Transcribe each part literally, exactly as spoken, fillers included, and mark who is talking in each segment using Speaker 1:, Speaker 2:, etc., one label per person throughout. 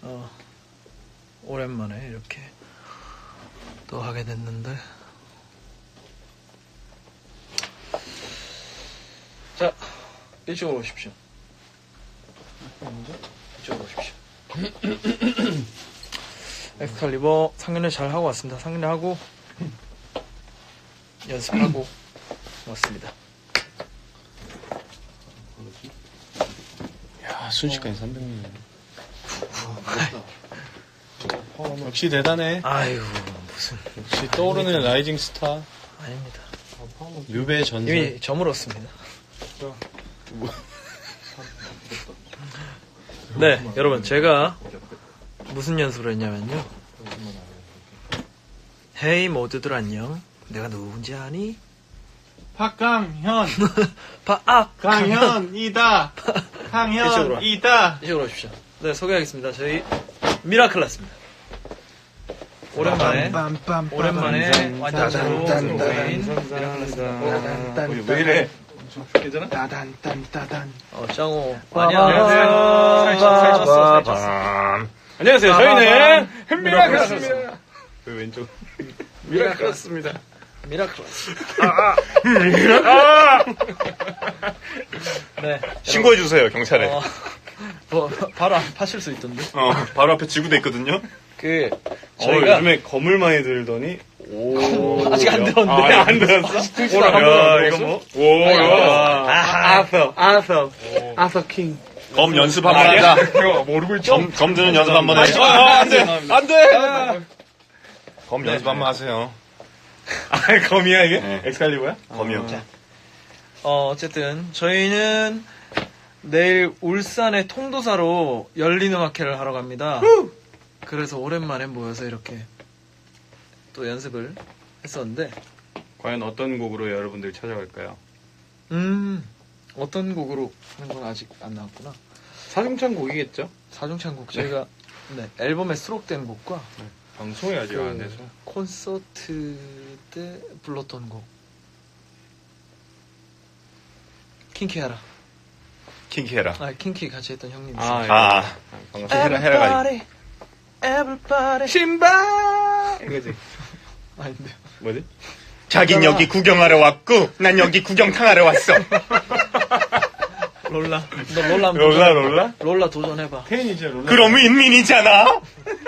Speaker 1: 어, 오랜만에 이렇게 또 하게 됐는데. 자, 이쪽으로 오십시오. 이쪽으로 오십시오. 엑스칼리버 상견례 잘 하고 왔습니다. 상견례 하고 연습하고 왔습니다.
Speaker 2: 야, 순식간에 삼백 명. 역시 대단해.
Speaker 1: 아이고 무슨
Speaker 2: 역시 떠오르는 라이징 스타.
Speaker 1: 아닙니다.
Speaker 2: 류배 전설.
Speaker 1: 이미 저물었습니다. 네, 여러분 제가 무슨 연습을 했냐면요. 헤이 모두들 안녕. 내가 누군지 아니?
Speaker 3: 박강현.
Speaker 1: 바, 아,
Speaker 3: 강현이다.
Speaker 1: 이쪽으로 와.
Speaker 3: 강현이다.
Speaker 1: 이쪽으로 오십시오. 네, 소개하겠습니다. 저희 미라클라스입니다. 오랜만에 오랜만에 완전체로 모인 미라클라스입니다.
Speaker 3: 왜 이래?
Speaker 2: 괜찮아?
Speaker 3: 따단 딴 따단.
Speaker 1: 어, 짱호.
Speaker 2: 안녕하세요.
Speaker 1: 살쪘어, 살쪘어.
Speaker 2: 안녕하세요. 저희는 미라클라스입니다. 그 왼쪽.
Speaker 1: 미라클라스입니다. 미라클라스. 네.
Speaker 4: 신고해주세요, 경찰에.
Speaker 1: 어, 뭐, 바로 안 파실 수 있던데.
Speaker 4: 어, 바로 앞에 지구대 있거든요?
Speaker 1: 그,
Speaker 2: 저희가
Speaker 1: 저희가.
Speaker 2: 요즘에 검을 많이 들더니 오.
Speaker 1: 아직 안 들었는데.
Speaker 2: 아, 안 들었어?
Speaker 4: 야, 이거 뭐? 오, 야.
Speaker 3: 아서, 아서, 아서 킹.
Speaker 4: 검 연습 한번 하자.
Speaker 2: 모르고 있죠?
Speaker 4: 검, 검 드는 연습 한번 해. 아, 안 돼! 안 돼! 검 연습 한번 하세요.
Speaker 2: 아, 검이야, 이게?
Speaker 4: 네.
Speaker 2: 엑스칼리버야?
Speaker 4: 검이요.
Speaker 1: 어, 어쨌든, 저희는 내일 울산의 통도사로 열린음악회를 하러 갑니다. 그래서 오랜만에 모여서 이렇게 또 연습을 했었는데,
Speaker 2: 과연 어떤 곡으로 여러분들 찾아갈까요?
Speaker 1: 음, 어떤 곡으로 하는 건 아직 안 나왔구나.
Speaker 2: 사중창 곡이겠죠?
Speaker 1: 사중창 곡, 저희가 네, 앨범에 수록된 곡과
Speaker 2: 방송이 아직 안 돼서.
Speaker 1: 콘서트 때 불렀던 곡. 킹키하라.
Speaker 4: 킹키해라.
Speaker 1: 아, 킹키 같이 했던 형님.
Speaker 2: 아, 예.
Speaker 4: 아,
Speaker 2: 반갑습니다.
Speaker 4: 해라, 해라.
Speaker 1: Everybody, everybody.
Speaker 2: 신발! 이거지.
Speaker 1: 아닌데.
Speaker 2: 뭐지?
Speaker 4: 자긴 여기 구경하러 왔고, 난 여기 구경탕하러 왔어.
Speaker 1: 롤라. 너 롤라 한번
Speaker 2: 롤라,
Speaker 1: 도전-
Speaker 2: 롤라?
Speaker 1: 롤라 도전해봐.
Speaker 2: 태인이죠, 롤라.
Speaker 4: 그럼 윈민이잖아.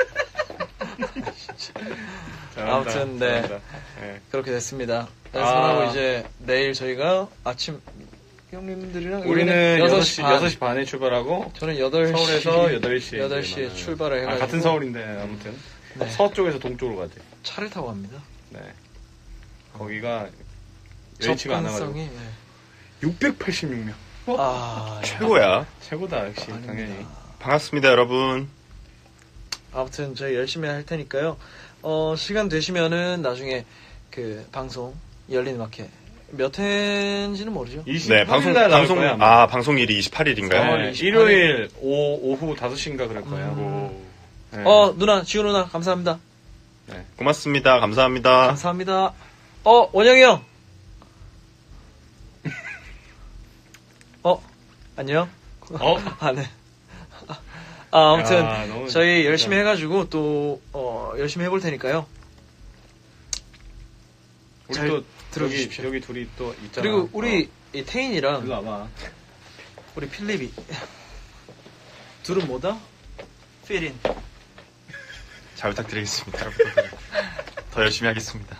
Speaker 2: 잘한다,
Speaker 1: 아무튼, 네.
Speaker 2: 잘한다. 네.
Speaker 1: 그렇게 됐습니다. 연습하고
Speaker 2: 아.
Speaker 1: 이제 내일 저희가 아침 형님들이랑
Speaker 2: 우리는
Speaker 1: 여섯
Speaker 2: 여섯
Speaker 1: 시
Speaker 2: 시,
Speaker 1: 반.
Speaker 2: 여섯 시 반에 출발하고,
Speaker 1: 저는 여덟 시
Speaker 2: 서울에서 여덟 시에.
Speaker 1: 여덟 시에 출발을 해가지고
Speaker 2: 아, 같은 서울인데, 아무튼.
Speaker 1: 네.
Speaker 2: 서쪽에서 동쪽으로 가대.
Speaker 1: 차를 타고 갑니다.
Speaker 2: 네. 거기가 여의치가 않아가지고.
Speaker 1: 접근성이 네.
Speaker 2: 육백팔십육 명.
Speaker 1: 아,
Speaker 4: 최고야.
Speaker 2: 최고다, 역시,
Speaker 1: 아닙니다.
Speaker 2: 당연히.
Speaker 4: 반갑습니다, 여러분.
Speaker 1: 아무튼 저희 열심히 할 테니까요. 어, 시간 되시면은 나중에 그 방송 열린 마켓 몇 회인지는 모르죠.
Speaker 4: 네, 방송, 방송, 아, 방송일이 이십팔 일인가요?
Speaker 1: 삼월
Speaker 2: 네,
Speaker 1: 이십팔 일.
Speaker 2: 일요일 오, 오후 다섯 시인가 그럴 거예요.
Speaker 1: 음.
Speaker 2: 네.
Speaker 1: 어, 누나, 지우 누나 감사합니다.
Speaker 2: 네.
Speaker 4: 고맙습니다. 감사합니다.
Speaker 1: 감사합니다. 어, 원영이 형. 어, 안녕.
Speaker 2: 어?
Speaker 1: 아, 네. 아, 아무튼
Speaker 2: 야, 너무
Speaker 1: 저희
Speaker 2: 진짜.
Speaker 1: 열심히 해가지고 또 어, 열심히 해볼 테니까요.
Speaker 2: 우리
Speaker 1: 잘
Speaker 2: 또
Speaker 1: 들어주십시오.
Speaker 2: 여기, 여기 둘이 또 있잖아.
Speaker 1: 그리고 우리
Speaker 2: 어.
Speaker 1: 이 태인이랑
Speaker 2: 일로 와봐.
Speaker 1: 우리 필립이 둘은 뭐다? 필인.
Speaker 4: 잘 부탁드리겠습니다. 더 열심히 하겠습니다.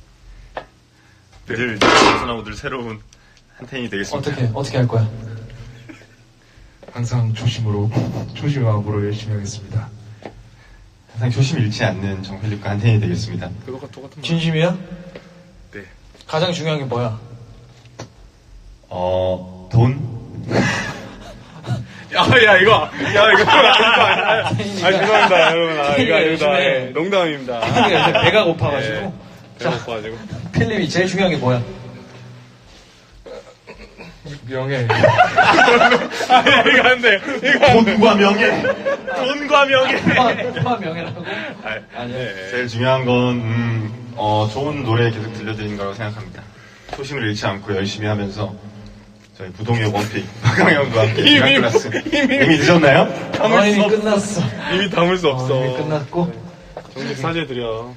Speaker 4: 늘 벗어나고 늘 새로운 한텐이 되겠습니다.
Speaker 1: 어떻게 어떻게 할 거야?
Speaker 5: 항상 초심으로 초심의 마음으로 열심히 하겠습니다.
Speaker 4: 항상 초심 잃지 않는 정필립과 한텐이 되겠습니다.
Speaker 2: 그거가 똑같은 말.
Speaker 1: 진심이야?
Speaker 2: 네.
Speaker 1: 가장 중요한 게 뭐야?
Speaker 4: 어, 돈?
Speaker 2: 야, 야, 이거. 야, 이거. 아, 아, 죄송합니다, 여러분. 아, 이거
Speaker 1: 태인이가
Speaker 2: 아닙니다.
Speaker 1: 요즘에-
Speaker 2: 예, 농담입니다.
Speaker 1: 필립이 요새 배가 고파가지고.
Speaker 2: 예, 배가 고파가지고.
Speaker 1: 필립이 제일 중요한 게 뭐야?
Speaker 5: 명예.
Speaker 2: 아, 야, 이거 안 돼. 이거 안 돼.
Speaker 4: 돈과 명예!
Speaker 2: 돈과 명예.
Speaker 1: 화 명예라고?
Speaker 2: 아,
Speaker 1: 아니요.
Speaker 2: 네.
Speaker 4: 제일 중요한 건, 음, 어, 좋은 노래 계속 들려드리는 거라고 생각합니다. 초심을 잃지 않고 열심히 하면서 저희 부동의 원픽 박강현과 함께 이미 클래스 이미 늦었나요?
Speaker 1: 어, 이미 끝났어.
Speaker 2: 이미 담을 수
Speaker 1: 어,
Speaker 2: 없어.
Speaker 1: 이미 끝났고.
Speaker 2: 정식 사죄드려.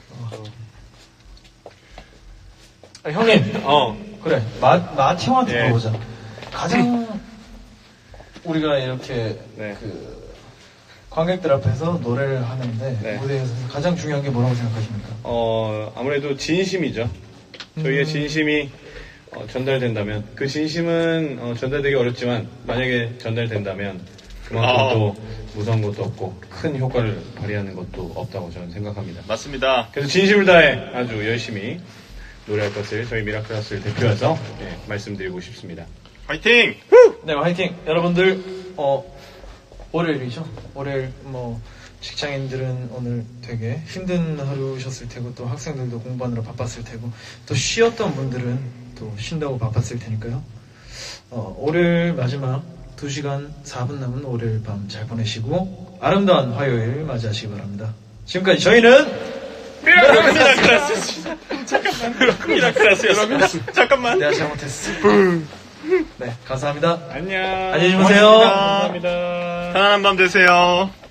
Speaker 1: 아, 형님.
Speaker 2: 어.
Speaker 1: 그래. 마, 마티 형한테
Speaker 2: 예.
Speaker 1: 물어보자. 가장 우리가 이렇게
Speaker 2: 네.
Speaker 1: 그 관객들 앞에서 노래를 하는데
Speaker 2: 네.
Speaker 1: 무대에서 가장 중요한 게 뭐라고 생각하십니까?
Speaker 2: 어, 아무래도 진심이죠. 저희의
Speaker 1: 음.
Speaker 2: 진심이 어, 전달된다면, 그 진심은 어, 전달되기 어렵지만, 만약에 전달된다면, 그만큼
Speaker 4: 아.
Speaker 2: 또 무서운 것도 없고, 큰 효과를 발휘하는 것도 없다고 저는 생각합니다.
Speaker 4: 맞습니다.
Speaker 2: 그래서 진심을 다해 아주 열심히 노래할 것을 저희 미라클라스를 대표해서 예, 말씀드리고 싶습니다.
Speaker 4: 화이팅!
Speaker 1: 네, 화이팅! 여러분들, 어, 월요일이죠? 월요일, 뭐, 직장인들은 오늘 되게 힘든 하루셨을 테고, 또 학생들도 공부하느라 바빴을 테고, 또 쉬었던 분들은 또 쉰다고 바빴을 테니까요. 어, 월요일 마지막 두 시간 사 분 남은 월요일 밤 잘 보내시고, 아름다운 화요일 맞이하시기 바랍니다. 지금까지 저희는
Speaker 2: 미라클라스! 잠깐만. 미라클라스였습니다. 잠깐만.
Speaker 1: 내가 잘못했어. 네, 감사합니다.
Speaker 2: 안녕.
Speaker 1: 안녕히 주무세요.
Speaker 2: 감사합니다.
Speaker 4: 편안한 밤 되세요.